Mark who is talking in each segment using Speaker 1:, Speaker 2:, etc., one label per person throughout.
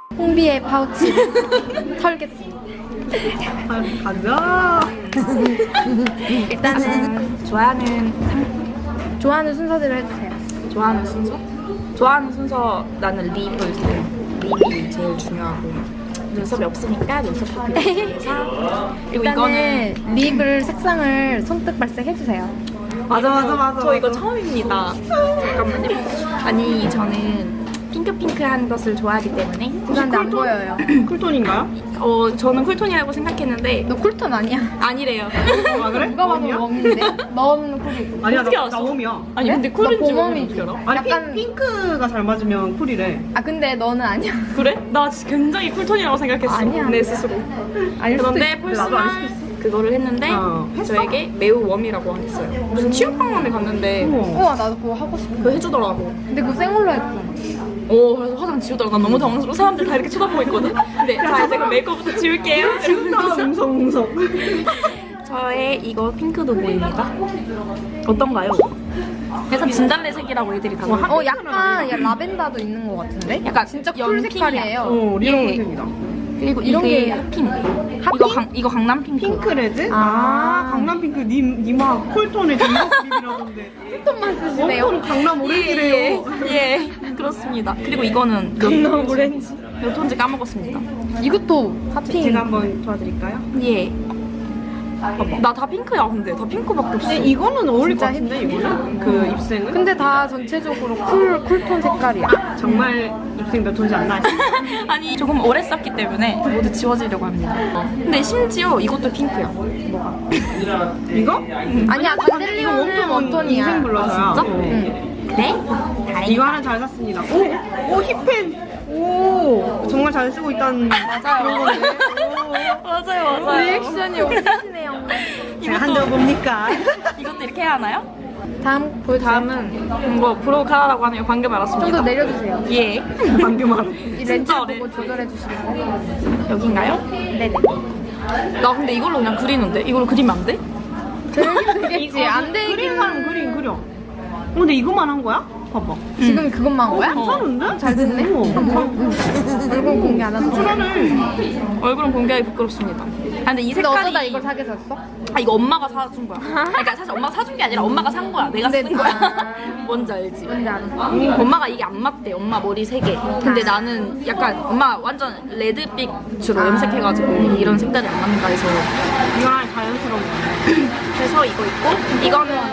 Speaker 1: 홍비의 파우치를 털겠습니다.
Speaker 2: 가자.
Speaker 1: 일단은 좋아하는 순서대로 해주세요.
Speaker 3: 좋아하는 순서? 좋아하는 순서 나는 립을 사요. 립이 제일 중요하고 눈썹이 없으니까 눈썹 커피 사. 그리고
Speaker 1: 일단은
Speaker 3: 이거는
Speaker 1: 립을 색상을 손뜻 발색 해주세요.
Speaker 2: 맞아.
Speaker 3: 저 이거 처음입니다. 잠깐만요. 아니 저는 핑크한 것을 좋아하기 때문에
Speaker 1: 죄송한데 안 보여요.
Speaker 2: 쿨톤인가요?
Speaker 3: 저는 쿨톤이라고 생각했는데
Speaker 1: 너 쿨톤 아니야?
Speaker 3: 아니래요.
Speaker 2: 아 그래?
Speaker 1: 누가 봐도
Speaker 2: 웜이야?
Speaker 1: 웜인데? 넌 쿨이고.
Speaker 2: 아니야
Speaker 3: 어떻게
Speaker 2: 나
Speaker 3: 알았어?
Speaker 2: 웜이야.
Speaker 3: 아니
Speaker 1: 그래?
Speaker 3: 근데 쿨인지
Speaker 1: 나
Speaker 3: 어떻게
Speaker 1: 봄웜이지.
Speaker 3: 알아?
Speaker 2: 아니
Speaker 1: 약간-
Speaker 2: 핑크가 잘 맞으면 쿨이래.
Speaker 1: 아 근데 너는 아니야.
Speaker 3: 그래? 나 진짜 굉장히 쿨톤이라고 생각했어.
Speaker 1: 아니야.
Speaker 3: 내 스스로.
Speaker 1: 아닐 수도
Speaker 3: 그런데
Speaker 1: 있어.
Speaker 2: 나도 알
Speaker 3: 펄스만
Speaker 2: 수도
Speaker 3: 그거를 했는데
Speaker 2: 했어?
Speaker 3: 저에게 매우 웜이라고 했어요. 무슨 취업박람회 갔는데
Speaker 2: 우와.
Speaker 1: 우와 나도 그거 하고 싶어.
Speaker 3: 그거 해주더라고.
Speaker 1: 근데 그거 생얼로 했잖아.
Speaker 3: 그래서 화장 지우다가 난 너무 당황스러워. 사람들 다 이렇게 쳐다보고 있거든. 근데 자 이제 그럼 메이크업부터 지울게요.
Speaker 2: 지운다 웅성웅성.
Speaker 3: 저의 이거 핑크도 보입니다. 어떤가요? 약간 진달래색이라고 애들이 다 그러고.
Speaker 1: 약간 야, 라벤더도 있는 것 같은데?
Speaker 3: 약간
Speaker 1: 진짜 쿨
Speaker 3: 연핑이야.
Speaker 1: 색깔이에요.
Speaker 2: 리얼
Speaker 3: 예.
Speaker 2: 쿨색이다.
Speaker 3: 그리고
Speaker 1: 이런
Speaker 3: 이게
Speaker 1: 게
Speaker 3: 핫핑.
Speaker 1: 핫핑?
Speaker 3: 이거 강남 핑크.
Speaker 2: 핑크레드?
Speaker 1: 아.
Speaker 2: 강남 핑크 니마 쿨톤의 전국 립이라던데.
Speaker 1: 쿨톤만 쓰시네요.
Speaker 2: 웜톤 강남 오렌지래요.
Speaker 3: 예, 그렇습니다. 그리고 이거는
Speaker 1: 강남 오렌지.
Speaker 3: 몇 톤지 까먹었습니다.
Speaker 1: 이것도 핫핑.
Speaker 2: 제가 한번 도와드릴까요?
Speaker 3: 예. 나 다 핑크야 근데 다 핑크밖에 없어.
Speaker 2: 근데 이거는 어울릴 것
Speaker 1: 진짜
Speaker 2: 같은데 이거는? 그 입생은?
Speaker 1: 근데 다 전체적으로 쿨톤 색깔이야.
Speaker 2: 정말 입생 몇 톤지 안 나지?
Speaker 3: 아니 조금 오래 썼기 때문에 모두 지워지려고 합니다. 근데 심지어 이것도 핑크야. 뭐가?
Speaker 2: 이거?
Speaker 1: 아니야,
Speaker 2: 이거
Speaker 1: 단델리온은
Speaker 2: 웜톤
Speaker 1: 웜톤이야.
Speaker 2: 인생 블러셔야.
Speaker 3: 아, 진짜?
Speaker 1: 응.
Speaker 3: 그래?
Speaker 2: 이거 하나 잘 샀습니다. 오 힙펜. 오 정말 잘 쓰고 있다는 그런 건데.
Speaker 3: 맞아요
Speaker 1: 리액션이 없으시네요.
Speaker 2: 제가 한적 뭡니까?
Speaker 3: 이것도 이렇게 해야 하나요?
Speaker 1: 다음
Speaker 3: 다음은 이거 브로카라고 하는 거 방금 알았습니다.
Speaker 1: 좀 더 내려주세요.
Speaker 3: 예.
Speaker 2: 방금 알았어.
Speaker 1: 이 렌즈 보고 조절해 주시면
Speaker 3: 여긴가요?
Speaker 1: 네네.
Speaker 3: 나 근데 이걸로 그냥 그리는데? 이걸로 그리면 안 돼?
Speaker 1: 되겠지. 안 되긴.
Speaker 2: 그린 사람 그려. 근데 이거만 한 거야? 봐봐.
Speaker 1: 지금 그것만 한 거야?
Speaker 2: 괜찮은데?
Speaker 1: 잘 됐네. 얼굴 공개 안 하는 거.
Speaker 2: 괜찮네.
Speaker 3: 얼굴은 공개하기 부끄럽습니다. 근데 이
Speaker 1: 근데
Speaker 3: 색깔이
Speaker 1: 어쩌다 이걸 사게 샀어?
Speaker 3: 이거 엄마가 사준 거야. 그러니까 사실 엄마가 사준 게 아니라 엄마가 산 거야. 내가 쓴
Speaker 1: 근데-
Speaker 3: 거야.
Speaker 1: 아.
Speaker 3: 뭔지 알지?
Speaker 1: 뭔지 알아.
Speaker 3: 엄마가 이게 안 맞대. 엄마 머리 3개. 근데 나는 약간 엄마 완전 레드빛으로 염색해가지고 이런 색깔이 안 맞는다 해서
Speaker 2: 이거랑 자연스러운 거.
Speaker 3: 그래서 이거 있고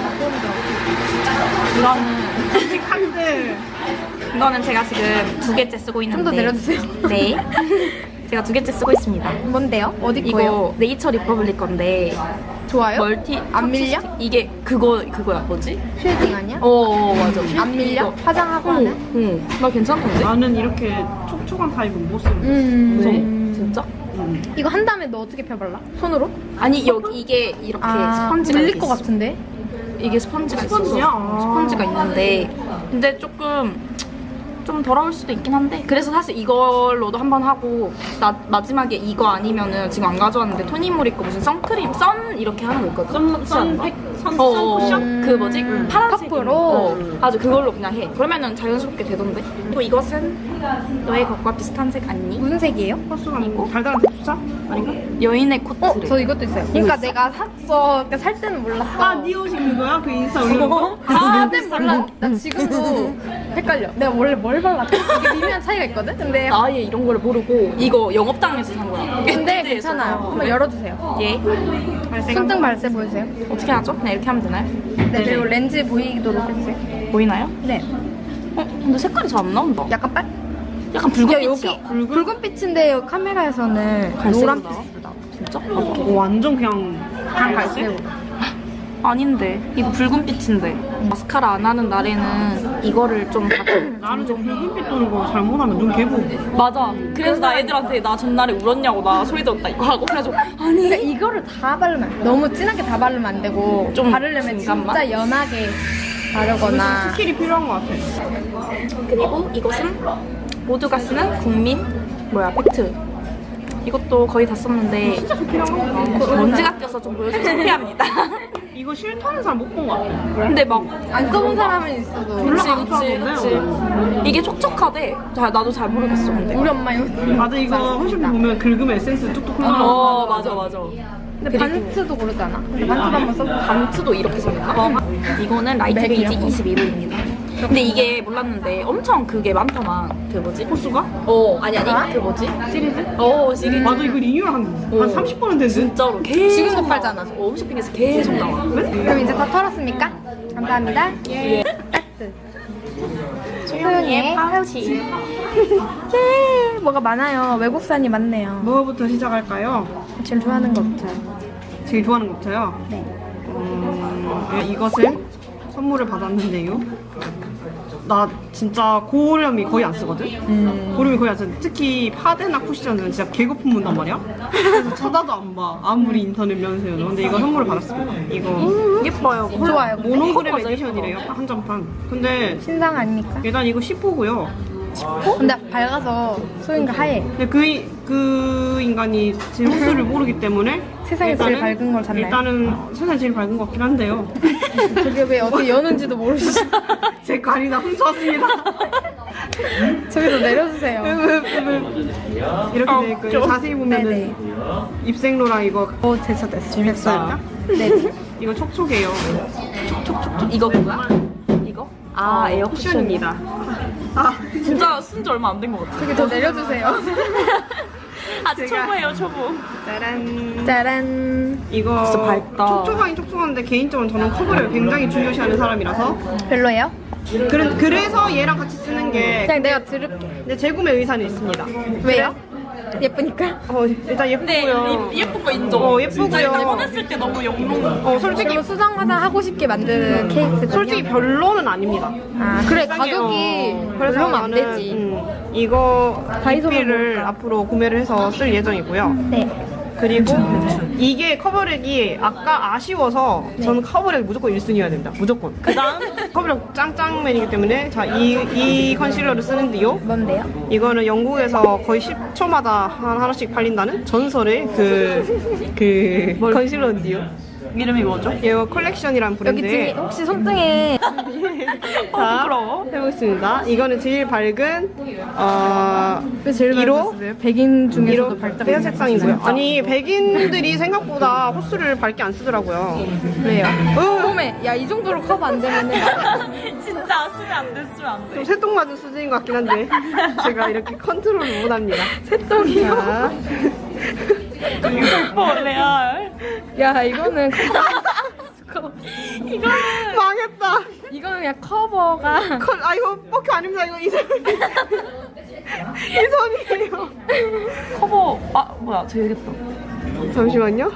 Speaker 3: 이거는 제가 지금 2개째 쓰고 있는데
Speaker 1: 좀 더 내려주세요.
Speaker 3: 네. 제가 2개째 쓰고 있습니다.
Speaker 1: 뭔데요? 어디 거예요?
Speaker 3: 이거 네이처 리퍼블릭 건데
Speaker 1: 좋아요?
Speaker 3: 멀티
Speaker 1: 안 밀려?
Speaker 3: 이게 그거야 뭐지?
Speaker 1: 쉐딩 아니야?
Speaker 3: 맞아.
Speaker 1: 안 밀려? 화장하고 하는?
Speaker 3: 응. 나 괜찮던데?
Speaker 2: 나는 이렇게 촉촉한 타입은 못 쓰는
Speaker 3: 왜? 진짜?
Speaker 1: 이거 한 다음에 너 어떻게 펴발라? 손으로?
Speaker 3: 아니 여기 이게 이렇게 스펀지가
Speaker 1: 밀릴
Speaker 3: 이렇게
Speaker 1: 것
Speaker 3: 있어.
Speaker 1: 같은데?
Speaker 3: 이게 스펀지가
Speaker 2: 스펀지야?
Speaker 3: 있어서 스펀지가 있는데 근데 좀 더러울 수도 있긴 한데 그래서 사실 이걸로도 한번 하고 마지막에 이거 아니면은 지금 안 가져왔는데 토니모리 거 무슨 선크림 선 이렇게 하는 거 있거든.
Speaker 2: 선팩? 선
Speaker 3: 쿠션? 그 뭐지? 파란색
Speaker 1: 퍼프로?
Speaker 3: 아주 그걸로 그냥 해. 그러면은 자연스럽게 되던데. 또 이것은 너의 것과 비슷한 색 아니니?
Speaker 1: 무슨 색이에요?
Speaker 2: 코스가 아니고 달달한 대추차? 아닌가?
Speaker 3: 여인의 코트.
Speaker 1: 저 이것도 있어요. 그러니까 내가 샀어. 그러니까 살 때는 몰랐어.
Speaker 2: 네 옷이 그거야? 그 인스타 올린 거?
Speaker 1: 그땐 몰라. 나 지금도 헷갈려. 내가 원래 뭘 발랐지? 이게 미묘한 차이가 있거든? 근데
Speaker 3: 아예 이런 걸 모르고 이거 영업당에서 산 거야.
Speaker 1: 근데
Speaker 3: 밴드에서.
Speaker 1: 괜찮아요. 한번 열어주세요.
Speaker 3: 예.
Speaker 1: 손등 발색 보여주세요.
Speaker 3: 어떻게 하죠? 그냥 이렇게 하면 되나요?
Speaker 1: 네, 그리고 렌즈 보이도록 해주세요.
Speaker 3: 보이나요?
Speaker 1: 네.
Speaker 3: 근데 색깔이 잘 안 나온다.
Speaker 1: 약간 빨?
Speaker 3: 약간
Speaker 1: 야,
Speaker 3: 붉은빛이야.
Speaker 1: 여기 붉은빛인데 여기 카메라에서는
Speaker 3: 갈색으로 나와?
Speaker 1: 노란빛으로 나와.
Speaker 3: 진짜?
Speaker 2: 오, 완전 그냥
Speaker 1: 갈색으로.
Speaker 3: 아닌데 이거 붉은빛인데 마스카라 안 하는 날에는 이거를 좀
Speaker 2: 나는 좀 흰빛 도는 거 잘못하면 눈 개보.
Speaker 3: 맞아. 그래서 나 애들한테 나 전날에 울었냐고 나 소리 들었다 이거 하고 그래서 아니
Speaker 1: 그러니까 이거를 다 바르면 안 돼. 너무 진하게 다 바르면 안 되고
Speaker 3: 좀
Speaker 1: 바르려면
Speaker 3: 중간만?
Speaker 1: 진짜 연하게 바르거나
Speaker 2: 스킬이 필요한 것 같아.
Speaker 3: 그리고 이것은 모두가 쓰는 국민 팩트. 이것도 거의 다 썼는데
Speaker 2: 진짜 필요한 거 같아.
Speaker 3: 먼지가 껴서 좀 보여주기 창피합니다.
Speaker 2: 이거 싫다는 사람 못 본 것 같아.
Speaker 3: 근데 막
Speaker 1: 안 써본 사람은 있어도.
Speaker 3: 그치
Speaker 2: 안
Speaker 3: 그치
Speaker 2: 좋아하는데?
Speaker 3: 그치. 이게 촉촉하대. 나도 잘 모르겠어 근데.
Speaker 1: 우리 엄마 이거.
Speaker 2: 맞아, 이거 홈쇼핑 보면 긁으면 에센스 뚝뚝 흘러나와.
Speaker 3: 맞아 맞아.
Speaker 1: 근데 반트도 고르잖아. 근데 반트도 한번 써볼까?
Speaker 3: 반트도 이렇게 생겼나? 이거는 라이트 베이지 21호입니다. 근데 이게 몰랐는데 엄청 그게 많더만. 그 뭐지?
Speaker 2: 호수가?
Speaker 3: 아니 그 뭐지?
Speaker 1: 시리즈?
Speaker 3: 시리즈.
Speaker 2: 맞아, 이거 리뉴얼 한 30번은 됐는데?
Speaker 3: 진짜로 계속
Speaker 1: 지금도
Speaker 3: 나와.
Speaker 1: 팔잖아.
Speaker 3: 홈쇼핑에서 계속 나와.
Speaker 1: 그럼 이제 다 털었습니까? 감사합니다. 예. 따뜻. 소영이의 파우치. 예. 뭐가 많아요. 외국산이 많네요.
Speaker 2: 뭐부터 시작할까요?
Speaker 1: 제일 좋아하는 거부터.
Speaker 2: 제일 좋아하는 것부터요?
Speaker 1: 네.
Speaker 2: 이것을 선물을 받았는데요. 나 진짜 고렴이 거의 안 쓰거든? 고렴이 거의 안 쓰는데 특히 파데나 쿠션은 진짜 개거품 문단 말이야? 그래서 쳐다도 안 봐. 아무리 인터넷 면세여도. 근데 이거 선물을 받았습니다. 이거 예뻐요.
Speaker 1: 좋아요.
Speaker 2: 모노그램 에디션이래요. 한정판. 근데
Speaker 1: 신상 아닙니까?
Speaker 2: 일단 이거 10호고요.
Speaker 1: 근데 밝아서 소영이가 하얘.
Speaker 2: 근데 그 인간이 제 호수를 모르기 때문에
Speaker 1: 세상에서 제일 밝은 걸 샀나요?
Speaker 2: 일단은 세상에 제일 밝은 것 같긴 한데요.
Speaker 1: 저게 왜 어떻게 여는지도 모르시죠?
Speaker 2: 제 관이나 훔쳐왔습니다.
Speaker 1: 저기서 내려주세요.
Speaker 2: 이렇게 돼 있고 자세히 보면은
Speaker 1: 네네.
Speaker 2: 입생로라 이거
Speaker 1: 됐어.
Speaker 2: 재밌어요.
Speaker 1: 네.
Speaker 2: 이거 촉촉해요.
Speaker 3: 이거 그거야? 이거? 에어 쿠션입니다. 진짜 쓴 지 얼마 안 된 것 같아.
Speaker 1: 저기 더 내려주세요.
Speaker 3: 아직 초보예요 초보.
Speaker 2: 짜란.
Speaker 1: 짜란.
Speaker 2: 이거
Speaker 3: 진짜 밝다.
Speaker 2: 촉촉하긴 촉촉한데 개인적으로 저는 커버를 굉장히 중요시하는 사람이라서
Speaker 1: 별로예요?
Speaker 2: 그래서 얘랑 같이 쓰는 게
Speaker 1: 그냥 내가 들을게.
Speaker 2: 근데 재구매 의사는 있습니다.
Speaker 1: 왜요? 예쁘니까?
Speaker 2: 일단 예쁘고요.
Speaker 3: 예쁜 거 인정.
Speaker 2: 예쁘고요.
Speaker 3: 진짜 입원했을 때 너무 영롱.
Speaker 2: 솔직히
Speaker 1: 그리고 수정 화장 하고 싶게 만드는 케이스.
Speaker 2: 솔직히 별로는 아닙니다.
Speaker 1: 그래 가격이
Speaker 2: 그래서
Speaker 1: 별로면 안
Speaker 2: 나는,
Speaker 1: 되지.
Speaker 2: 이거
Speaker 1: 다이소로
Speaker 2: DP를
Speaker 1: 먹을까?
Speaker 2: 앞으로 구매를 해서 쓸 예정이고요.
Speaker 1: 네.
Speaker 2: 그리고 이게 커버력이 아까 아쉬워서 저는 커버력 무조건 1순위여야 됩니다. 무조건. 그다음 커버력 짱짱맨이기 때문에 자, 이 컨실러를 쓰는데요.
Speaker 1: 뭔데요?
Speaker 2: 이거는 영국에서 거의 10초마다 하나씩 팔린다는 전설의 그 컨실러인데요.
Speaker 3: 이름이 뭐죠?
Speaker 2: 이거 컬렉션이란
Speaker 1: 여기 등에
Speaker 2: 브랜드에
Speaker 1: 혹시 손등에
Speaker 2: 자, 해보겠습니다. 이거는 제일 밝은
Speaker 1: 왜 제일
Speaker 2: 1호?
Speaker 1: 밝았어요? 백인 중에서도
Speaker 2: 1호
Speaker 1: 밝다고
Speaker 2: 페어 색상이고요.
Speaker 1: 생각하시나요?
Speaker 2: 아니 백인들이 생각보다 호수를 밝게 안 쓰더라고요.
Speaker 1: 왜요? 어메, 야 이 정도로 커버 안 되면은
Speaker 3: 진짜 쓰면 안 돼, 쓰면 안
Speaker 2: 좀 새똥맞은 수준인 것 같긴 한데 제가 이렇게 컨트롤을 못합니다.
Speaker 1: 새똥이요?
Speaker 3: 돼. 레알.
Speaker 1: 야 이거는
Speaker 2: 망했다.
Speaker 1: 이거는 그냥 커버가
Speaker 2: 이거 뻑큐 아닙니다. 이거 이선이에요.
Speaker 3: 커버. 뭐야, 저 얘기했다.
Speaker 2: 잠시만요.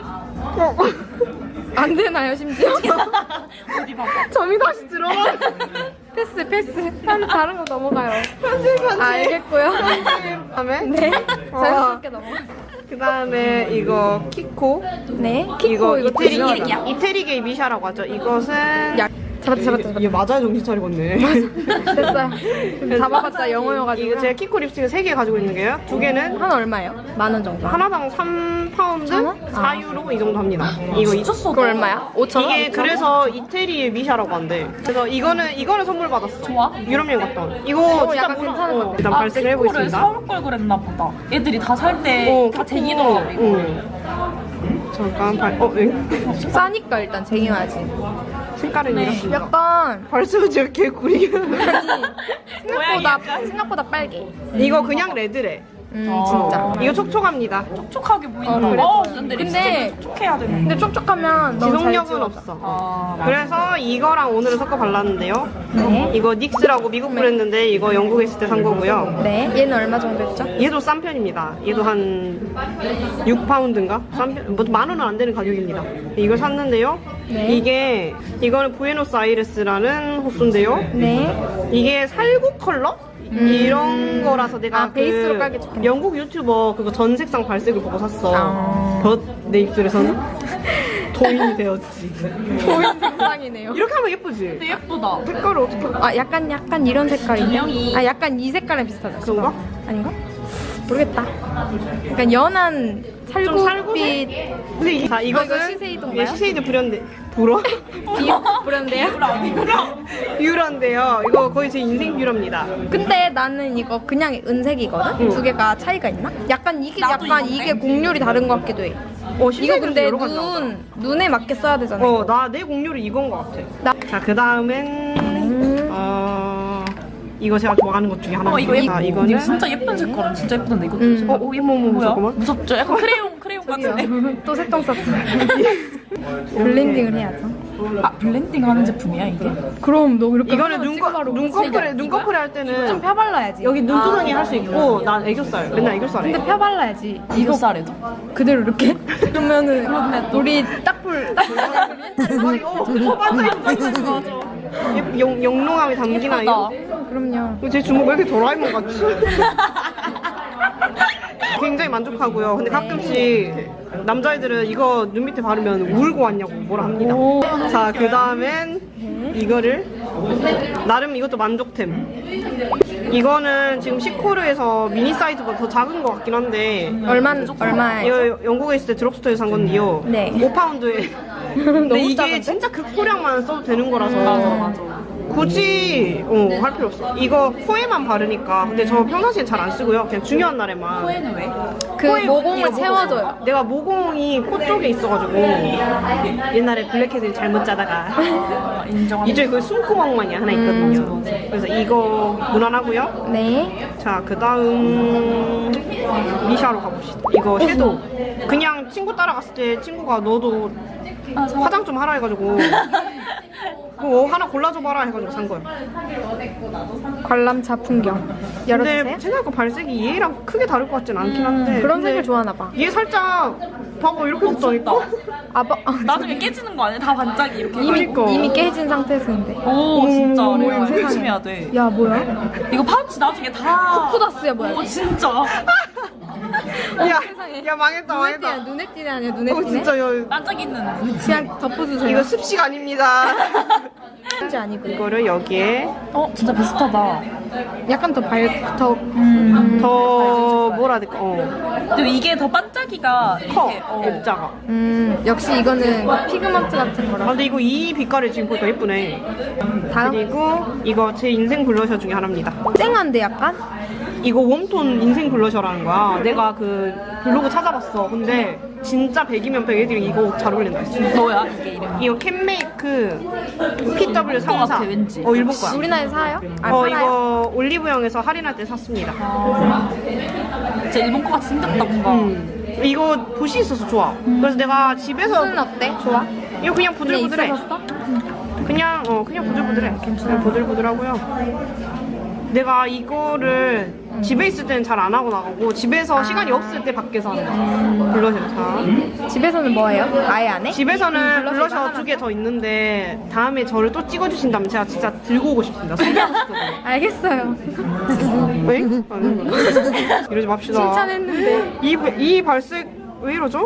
Speaker 1: 안 되나요 심지어?
Speaker 3: 어디 봐봐.
Speaker 2: 점이 다시 들어가.
Speaker 1: 패스. 다른 거 넘어가요.
Speaker 2: 편집.
Speaker 1: 알겠고요.
Speaker 2: 다음에
Speaker 1: 네. 자연스럽게 넘어가.
Speaker 2: 그 다음에 이거 키코.
Speaker 1: 네.
Speaker 2: 이거
Speaker 1: 키코 이거
Speaker 2: 이태리게이 미샤라고 하죠. 이것은
Speaker 1: 잡았다.
Speaker 2: 얘 맞아야 정신 차리겠네.
Speaker 1: 됐어요. 잡아봤자 영어여가지고.
Speaker 2: 이거 제가 키코 립스틱을 3개 가지고 있는 게요. 2개는
Speaker 1: 하나 얼마예요? 10,000원 정도.
Speaker 2: 하나당 3파운드? 4유로 이 정도 합니다. 이거
Speaker 3: 미쳤어.
Speaker 1: 그거 얼마야? 5,000원?
Speaker 2: 이게 그래서 이태리의 미샤라고 한대. 그래서 이거는 선물 받았어.
Speaker 3: 좋아?
Speaker 2: 유럽 여행 갔다 온. 이거 진짜
Speaker 1: 약간 괜찮은 것 같아.
Speaker 2: 일단 발색을
Speaker 3: 키코를
Speaker 2: 해보겠습니다.
Speaker 3: 사올 걸 그랬나 보다. 애들이 다 살 때 다 쟁이더라고, 이거.
Speaker 2: 잠깐
Speaker 1: 싸니까 일단 쟁여야지.
Speaker 2: 색깔은 이렇습니다.
Speaker 1: 약간
Speaker 2: 발색은 제가 개구리.
Speaker 1: 생각보다 빨개.
Speaker 2: 이거 그냥 레드래.
Speaker 1: 진짜.
Speaker 2: 이거 촉촉합니다.
Speaker 3: 촉촉하게 보인다.
Speaker 1: 그래.
Speaker 3: 근데
Speaker 1: 근데-
Speaker 3: 립스틱은 촉촉해야 되는데.
Speaker 1: 근데 촉촉하면 너무 잘
Speaker 2: 지속력은
Speaker 1: 지워져.
Speaker 2: 없어. 그래서 이거랑 오늘은 섞어 발랐는데요.
Speaker 1: 네.
Speaker 2: 이거 닉스라고 미국 브랜드인데 이거 영국에 있을 때 산 거고요.
Speaker 1: 네. 얘는 얼마 정도 했죠?
Speaker 2: 얘도 싼 편입니다. 얘도 한 6파운드인가? 싼 편, 뭐 10,000원은 안 되는 가격입니다. 이걸 샀는데요.
Speaker 1: 네.
Speaker 2: 이거는 부에노스 아이레스라는 호수인데요.
Speaker 1: 네.
Speaker 2: 이게 살구 컬러? 이런 거라서 내가
Speaker 1: 베이스로 깔기 좋겠네.
Speaker 2: 영국 유튜버 그거 전 색상 발색을 보고 샀어.
Speaker 1: 아.
Speaker 2: 내 입술에서는 도인이 되었지.
Speaker 1: 보인 색상이네요.
Speaker 2: 이렇게 하면 예쁘지?
Speaker 3: 근데 예쁘다.
Speaker 2: 색깔을 어떻게
Speaker 1: 약간 이런 색깔이네.
Speaker 3: 분명히-
Speaker 1: 약간 이 색깔이랑 비슷하다.
Speaker 2: 그런가?
Speaker 1: 아닌가? 모르겠다. 약간 연한
Speaker 2: 좀
Speaker 1: 살구빛
Speaker 2: 근데 자, 이것은
Speaker 1: 이거 시세이도인가요?
Speaker 2: 예, 시세이도 불연데 불어?
Speaker 1: 브랜드예요?
Speaker 2: 뷰러인데요. 이거 거의 제 인생 뷰러입니다.
Speaker 1: 근데 나는 이거 그냥 은색이거든? 두 개가 차이가 있나? 약간 이게
Speaker 3: 나도
Speaker 1: 약간
Speaker 3: 이건데?
Speaker 1: 이게 곡률이 다른 것 같기도 해.
Speaker 2: 이거
Speaker 1: 이거 근데 눈에 맞게 써야 되잖아.
Speaker 2: 나 내 곡률이 이건 것 같아. 자, 그 다음은 이거 제가 좋아하는 것 중에 하나입니다.
Speaker 3: 이거
Speaker 2: 이거는
Speaker 3: 이거 진짜 예쁜 색깔은 진짜 예쁜데 이거.
Speaker 2: 어머
Speaker 3: 뭐야?
Speaker 2: 잠깐만.
Speaker 3: 무섭죠? 약간 크레용 같은데.
Speaker 1: 또 색동 썼어. 블렌딩을 해야죠.
Speaker 3: 아 블렌딩 하는 제품이야 이게?
Speaker 1: 그럼 너 이렇게
Speaker 2: 이거는
Speaker 1: 찍어바로
Speaker 2: 눈꺼풀에 할 때는
Speaker 1: 좀 펴발라야지.
Speaker 2: 여기 눈두덩이 할 수 있고 난 애교살 맨날 애교살 해.
Speaker 1: 근데 펴발라야지.
Speaker 3: 이거 쌀에도?
Speaker 1: 그대로 이렇게. 그러면은 우리 딱불
Speaker 2: 영롱함이 담기나요?
Speaker 1: 그럼요.
Speaker 2: 제 주먹 왜 이렇게 도라에몽 같지? 굉장히 만족하고요. 근데 가끔씩 남자애들은 이거 눈 밑에 바르면 울고 왔냐고 뭐라 합니다. 자, 그 다음엔 이거를 나름 이것도 만족템. 이거는 지금 시코르에서 미니 사이즈보다 더 작은 것 같긴 한데
Speaker 1: 얼마예요?
Speaker 2: 이거 영국에 있을 때 드럭스토어에서 산 건데요.
Speaker 1: 네.
Speaker 2: 5파운드에. 근데 이게 진짜 극소량만 써도 되는 거라서.
Speaker 3: 맞아.
Speaker 2: 굳이 할 필요 없어. 이거 코에만 바르니까. 근데 저 평상시엔 잘 안 쓰고요. 그냥 중요한 날에만.
Speaker 3: 코에는 왜?
Speaker 1: 그 모공을 채워줘요.
Speaker 2: 내가 모공이 코 쪽에 있어가지고 옛날에 블랙헤드 잘못 짜다가
Speaker 3: 인정합니다.
Speaker 2: 이쪽에 그 숨구멍만이 하나 있거든요. 그래서 이거 무난하고요.
Speaker 1: 네.
Speaker 2: 자, 그 다음 미샤로 가봅시다. 이거 섀도우. 그냥 친구 따라갔을 때 친구가 너도 화장 좀 하라 해가지고 그거 하나 골라줘봐라 해가지고 산 거예요.
Speaker 1: 관람차 풍경. 열어주세요.
Speaker 2: 근데 생각보다 발색이 얘랑 크게 다를 것 같진 않긴 한데
Speaker 1: 그런
Speaker 2: 근데
Speaker 1: 색을 좋아하나 봐.
Speaker 2: 얘 살짝 봐봐 이렇게 됐다니까?
Speaker 3: 나중에 깨지는 거 아니야? 다 반짝이 이렇게.
Speaker 2: 그러니까.
Speaker 1: 이미 깨진 상태에서인데.
Speaker 3: 오 진짜
Speaker 2: 어머,
Speaker 3: 이거
Speaker 2: 세상에.
Speaker 3: 조심해야 돼.
Speaker 1: 야 뭐야?
Speaker 3: 이거 파우치 나중에 다.
Speaker 1: 코다스야 뭐야?
Speaker 3: 오 진짜.
Speaker 2: 야 망했다 망했다.
Speaker 1: 눈에 띄네 아니야 눈에 띄네?
Speaker 2: 진짜
Speaker 3: 반짝이는.
Speaker 1: 그냥 덮어주세요.
Speaker 2: 이거 습식 아닙니다.
Speaker 1: 지 아니고
Speaker 2: 이거를 여기에
Speaker 3: 진짜 비슷하다.
Speaker 1: 약간 더
Speaker 2: 더 뭐라 해야 될까?
Speaker 3: 그리고 이게 더 반짝이가
Speaker 2: 커
Speaker 3: 이렇게,
Speaker 2: F자가.
Speaker 1: 역시 이거는 피그먼트 같은
Speaker 2: 아,
Speaker 1: 거라.
Speaker 2: 근데 이거 이 빛깔을 지금 보니까 예쁘네.
Speaker 1: 다음
Speaker 2: 그리고 이거 제 인생 블러셔 중에 하나입니다.
Speaker 1: 쨍한데 약간?
Speaker 2: 이거 웜톤 인생 블러셔라는 거야. 내가 그 블로그 찾아봤어. 근데 진짜 100이면 100 애들이 이거 잘 어울린다 했어.
Speaker 3: 뭐야 이게 이름이?
Speaker 2: 이거 캔메이크 PW
Speaker 3: 일본 거
Speaker 2: 34.
Speaker 3: 같아, 왠지.
Speaker 2: 일본 거야.
Speaker 1: 우리나라에 사요? 팔아요?
Speaker 2: 이거 올리브영에서 할인할 때 샀습니다.
Speaker 3: 진짜 일본 거 같이 생겼다 뭔가.
Speaker 2: 이거 붓이 있어서 좋아. 그래서 내가 집에서
Speaker 1: 붓은 어때? 좋아?
Speaker 2: 이거 그냥 부들부들해.
Speaker 1: 있어서
Speaker 2: 그냥 부들부들해. 그냥 부들부들하고요. 내가 이거를 집에 있을 때는 잘 안 하고 나가고 집에서 시간이 없을 때 밖에서 하는 거야. 블러셔. 자,
Speaker 1: 집에서는 뭐예요? 아예 안 해?
Speaker 2: 집에서는
Speaker 1: 블러셔
Speaker 2: 블러셔
Speaker 1: 하나
Speaker 2: 2개 더 있는데 다음에 저를 또 찍어주신다면 제가 진짜 들고 오고 싶습니다. 소개하고 싶거든요.
Speaker 1: 알겠어요.
Speaker 2: 왜? 이러지 맙시다.
Speaker 1: 칭찬했는데.
Speaker 2: 이 발색 왜 이러죠?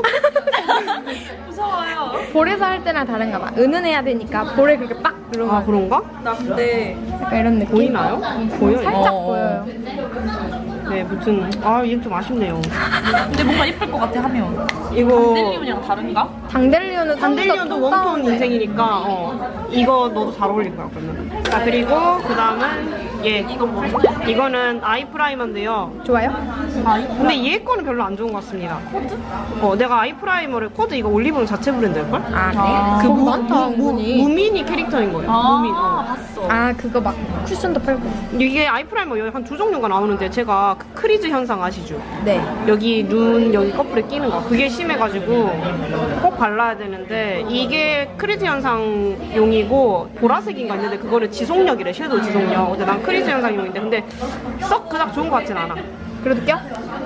Speaker 3: 무서워요.
Speaker 1: 볼에서 할 때랑 다른가 봐. 은은해야 되니까 볼에 그렇게 빡 들어가.
Speaker 2: 아, 그런가?
Speaker 3: 나 근데
Speaker 1: 약간 이런 느낌.
Speaker 2: 보이나요? 보여요?
Speaker 1: 살짝
Speaker 3: 어.
Speaker 1: 보여요.
Speaker 2: 네, 무튼 이게 좀 아쉽네요.
Speaker 3: 근데 뭔가 예쁠 것 같아 하면.
Speaker 2: 이거
Speaker 3: 델리온이랑 다른가?
Speaker 1: 당델리온은
Speaker 2: 단델리온도 웜톤 인생이니까 이거 너도 잘 어울릴 거야 그러면. 자, 그리고 그 다음은
Speaker 3: 이건 뭐지?
Speaker 2: 이거는 아이 프라이머인데요.
Speaker 1: 좋아요?
Speaker 2: 근데 얘 거는 별로 안 좋은 것 같습니다. 코드? 내가 아이 프라이머를 코드 이거 올리브영 자체 브랜드일걸?
Speaker 1: 아, 네. 많다, 은근히.
Speaker 2: 무민이 캐릭터인 거예요. 무민.
Speaker 3: 봤어.
Speaker 1: 아, 그거 막 쿠션도 팔고.
Speaker 2: 이게 아이 프라이머 여기 한 두 종류가 나오는데 제가 그 크리즈 현상 아시죠?
Speaker 1: 네.
Speaker 2: 여기 눈 여기 커플에 끼는 거 그게 심해가지고 꼭 발라야 되는데 이게 크리즈 현상용이고 보라색인가 있는데 그거는 지속력이래. 섀도우 지속력. 근데 난 크리즈 현상용인데 근데 썩 그닥 좋은 것 같진 않아.
Speaker 1: 그래도 껴?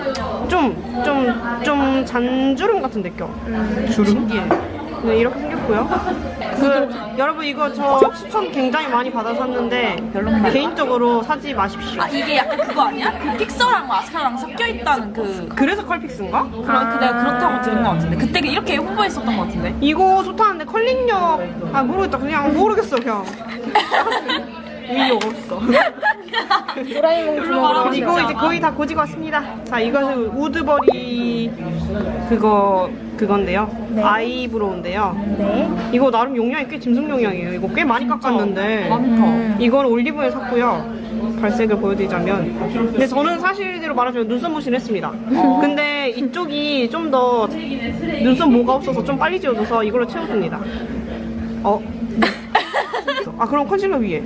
Speaker 2: 좀 잔주름 같은 데 껴. 주름? 네, 이렇게 생겼고요. 여러분 이거 저 추천 굉장히 많이 받아 샀는데
Speaker 3: 별로인가요?
Speaker 2: 개인적으로 사지 마십시오.
Speaker 3: 이게 약간 그거 아니야? 그 픽서랑 마스카라랑 섞여 있다는
Speaker 2: 그래서 컬픽스인가?
Speaker 3: 내가 그렇다고 들은 것 같은데 그때 이렇게 홍보했었던 것 같은데.
Speaker 2: 이거 좋다는데 컬링력 모르겠다. 그냥 모르겠어 그냥. 위에 없어.
Speaker 1: 도라에몽 주먹으로
Speaker 2: 그리고 이제 거의 다 고지고 왔습니다. 자, 이것은 우드버리 그건데요.
Speaker 1: 네.
Speaker 2: 아이브로우인데요.
Speaker 1: 네.
Speaker 2: 이거 나름 용량이 꽤 짐승 용량이에요. 이거 꽤 많이 깎았는데 이건 올리브에 샀고요. 발색을 보여드리자면, 근데 저는 사실대로 말하자면 눈썹 무신 했습니다. 근데 이쪽이 좀 더 눈썹 모가 없어서 좀 빨리 지워져서 이걸로 채워줍니다. 아, 그럼 컨실러 위에.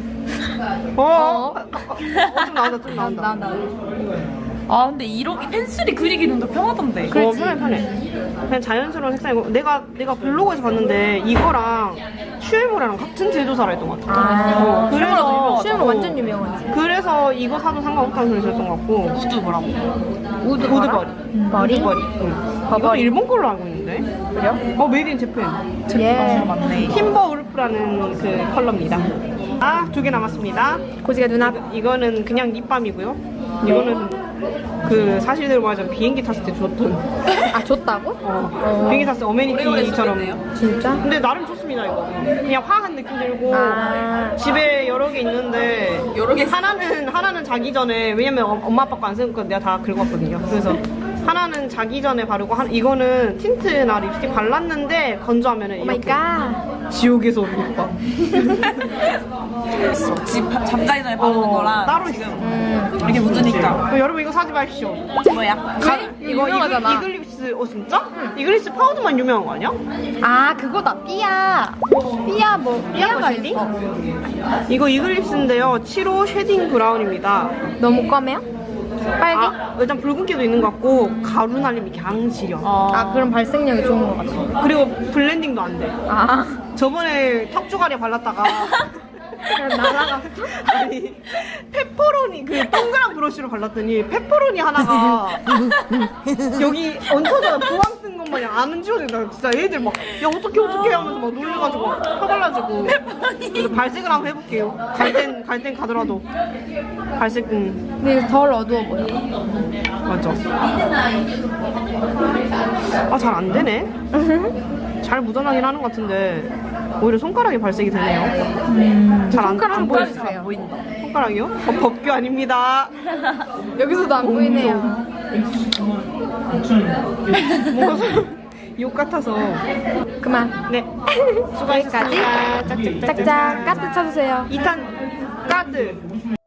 Speaker 2: 좀 나온다.
Speaker 3: 아 근데 이렇게 펜슬이 그리기는 더 편하던데.
Speaker 2: 편해. 그냥 자연스러운 색상이고, 내가 블로그에서 봤는데 이거랑 슈에모라랑 같은 제조사라 했던 것 같아. 그래서
Speaker 1: 수영은 완전 유명하지.
Speaker 2: 그래서 이거 사도 상관없다는 소리 들었던 것 같고.
Speaker 3: 우드 뭐라고?
Speaker 2: 우드버리.
Speaker 1: 머리?
Speaker 2: 우드버리. 이것도 일본 걸로 알고 있는데.
Speaker 1: 그래요?
Speaker 2: 메이드 인 재팬.
Speaker 1: 예.
Speaker 3: 맞네.
Speaker 2: 팀버 울프라는 그 컬러입니다. 아, 2개 남았습니다.
Speaker 1: 고지가 눈앞.
Speaker 2: 이거는 그냥 립밤이고요. 이거는 그 사실대로 말하자면 비행기 탔을 때 줬던.
Speaker 1: 아, 줬다고?
Speaker 2: 비행기 탔을 때 어메니티처럼.
Speaker 1: 진짜?
Speaker 2: 근데 나름 좋습니다, 이거. 그냥 화한 느낌 들고.
Speaker 1: 아.
Speaker 2: 집에 여러 개 있는데
Speaker 3: 여러 개
Speaker 2: 하나는 자기 전에, 왜냐면 엄마 아빠 거 안 쓰는 거 내가 다 긁었거든요. 그래서 하나는 자기 전에 바르고 이거는 틴트나 립스틱 발랐는데 건조하면은
Speaker 1: 오 마이
Speaker 2: 이렇게
Speaker 1: 갓.
Speaker 2: 지옥에서 온 립밤.
Speaker 3: 집 잠자기 전에 바르는 거랑
Speaker 2: 따로
Speaker 3: 지금
Speaker 2: 있어.
Speaker 3: 이렇게 묻으니까.
Speaker 2: 여러분 이거 사지 마십시오.
Speaker 3: 뭐야?
Speaker 2: 이거
Speaker 1: 유명하잖아.
Speaker 2: 이글립스. 진짜? 이글립스 파우더만 유명한 거 아니야?
Speaker 1: 아, 그거다. 삐아. 삐아가
Speaker 2: 쉐딩?
Speaker 1: 있어.
Speaker 2: 이거 이글립스인데요. 7호 쉐딩 브라운입니다.
Speaker 1: 너무 검해요? 빨개?
Speaker 2: 일단 붉은기도 있는 것 같고 가루 날림이 강 지려.
Speaker 1: 아, 그럼 발색력이 좋은 것 같아.
Speaker 2: 그리고 블렌딩도 안 돼.
Speaker 1: 아,
Speaker 2: 저번에 턱주가리에 발랐다가
Speaker 1: 그냥 날아갔어?
Speaker 2: 아니 페퍼로니 그 동그란 브러쉬로 발랐더니 페퍼로니 하나가 여기 얹혀져 부항 뜬 것 마냥 안 지워진다. 진짜 애들 막 야 어떡해 하면서 막 놀래가지고 펴발라주고. 그래서 발색을 한번 해볼게요. 갈 땐 가더라도 발색.
Speaker 1: 근데 이거 덜 어두워 보여.
Speaker 2: 맞아. 아, 잘 안 되네. 잘 묻어나긴 하는 것 같은데 오히려 손가락에 발색이 되네요. 잘 안
Speaker 1: 손가락
Speaker 2: 보여주세요.
Speaker 1: 보여주세요.
Speaker 3: 보인다.
Speaker 2: 손가락이요? 법규 아닙니다.
Speaker 1: 여기서도 안 보이네요.
Speaker 2: 뭔가 욕 같아서.
Speaker 1: 그만.
Speaker 2: 네. 수고하셨습니다. 짝짝짝.
Speaker 1: 짝짝. 까트 쳐주세요.
Speaker 2: 2탄 카드.